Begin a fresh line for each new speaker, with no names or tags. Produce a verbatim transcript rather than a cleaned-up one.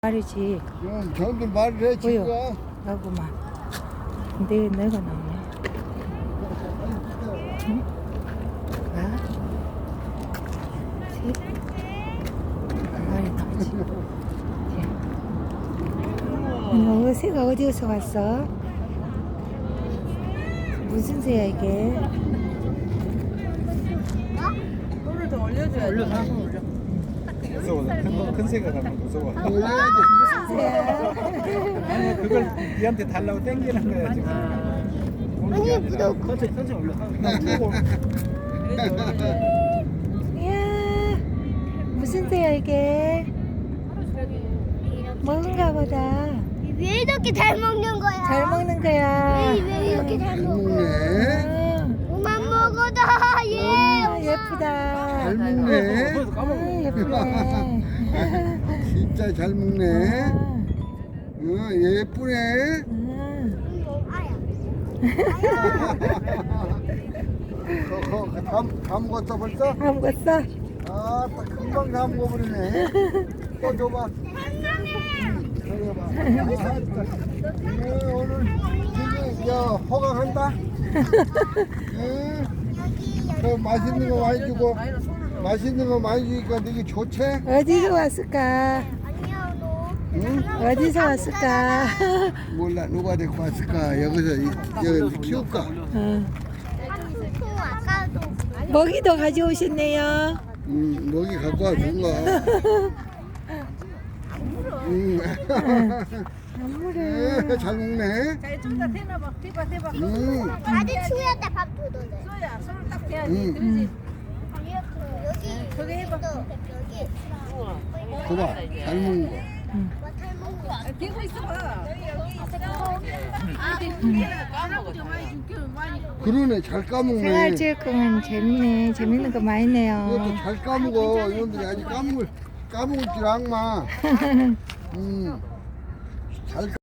말이지.
응, 저들 말을 해,
보여.
친구가.
나구만. 근데 내가 나오네. 응? 아? 셋? 말이 나오지. 너 새가 어디서 왔어? 무슨 새야 이게?
꿀을 더 올려줘야 올려 한번 올려.
무서워. 큰, 큰 새가 가면 무서워.
올려야지.
아니 그걸 니한테 달라고 땡기는 거야 지금. 아니 무서워. 천천히 천천히 올려.
이야, 무슨 새야 이게? 먹은가 보다.
왜 이렇게 잘 먹는 거야?
잘 먹는 거야.
왜, 왜 이렇게 잘
잘
먹어?
먹네.
그만 먹어다 얘.
아, 예쁘다.
잘 먹네.
아, 예쁘네.
진짜 잘 먹네.
아,
어, 예쁘네.
음.
어, 어, 다, 다 먹었어 벌써?
다 먹었어?
아, 딱 금방 다 먹어버리네. 또 줘봐. 응, 줘봐. 아, 응, 오늘 저기 저 허강한다. 응. 그 맛있는 거 많이 주고 맛있는 거 많이 주니까 되게 좋지?
어디서 왔을까?
아니야 너.
응?
어디서 왔을까?
몰라 누가 데리고 왔을까? 여기서 이- 여기 키울까?
어.
한통 아까도.
먹이도 가져오셨네요.
응, 먹이 갖고 와 준 거. 응.
안 물어.
에, 잘 먹네.
자, 좀더 대놔봐. 대봐, 대봐.
응.
아직 추위할 때 밥 줘도 돼.
소야, 손을 딱 대야지.
응.
그러지.
여기
저기 해봐.
여기.
줘봐. 잘 먹는 거.
뭐잘 먹는 거.
아, 대고 있어봐.
그러네, 잘 까먹네.
생활체육관은 재밌네. 재밌는 거 많이
이것도
네요.
잘 까먹어. 이놈들이 아직 까먹을, 까먹을 줄 악마. 음. 잘